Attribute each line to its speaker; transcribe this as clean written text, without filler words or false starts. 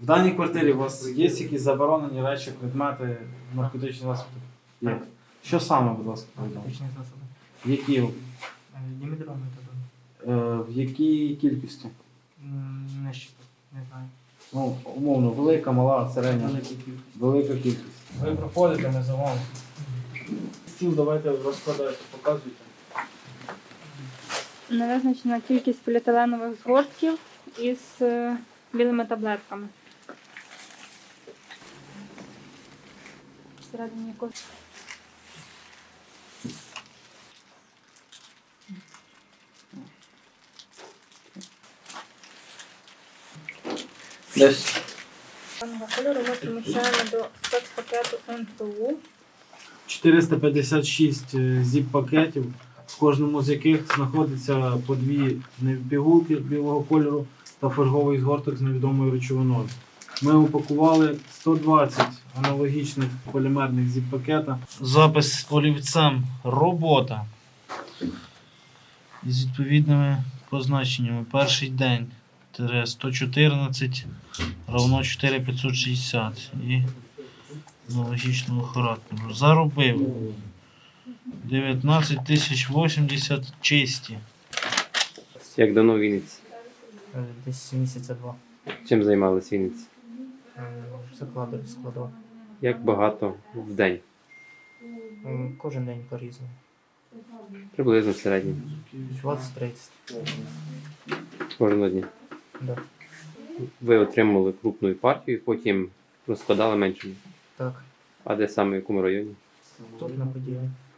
Speaker 1: даній квартирі у вас є якісь заборонені речі, предмети, наркотичні засоби? Є.
Speaker 2: Так.
Speaker 1: Що саме, будь ласка, повідомте?
Speaker 2: Наркотичні засоби.
Speaker 1: Які?
Speaker 2: Дімедрон метадон.
Speaker 1: В якій кількості?
Speaker 2: Не щиток, не знаю.
Speaker 1: Ну, умовно, велика, мала, середня?
Speaker 2: Велика кількість.
Speaker 1: Велика кількість. Ви проходите, ми за вами. Стіл давайте розкладайте, показуйте.
Speaker 3: Не визначена кількість поліетиленових згортків із білими таблетками. Всередині якось.
Speaker 1: Десь.
Speaker 3: Даного кольору ми приміщаємо до спецпакету НПУ.
Speaker 1: 456 зіп-пакетів, в кожному з яких знаходиться по дві пігулки білого кольору та фольговий згорток з невідомою речовиною. Ми упакували 120 аналогічних полімерних зіп-пакета. Запис олівцем «Робота» із відповідними позначеннями. Перший день 114 равно 4560 і аналогічного характеру. Заробив 19 тисяч 80 чисті.
Speaker 4: Як давно в Вінниці?
Speaker 2: Десь місяця два.
Speaker 4: Чим займалися в Вінниці?
Speaker 2: Складов.
Speaker 4: Як багато в день?
Speaker 2: Кожен день по-різному.
Speaker 4: Приблизно в середньому.
Speaker 2: 20-30.
Speaker 4: Кожного дня.
Speaker 2: Да.
Speaker 4: Ви отримали крупну партію, потім розкладали меншими.
Speaker 2: Так.
Speaker 4: А де саме, в якому районі?
Speaker 2: Тут на події.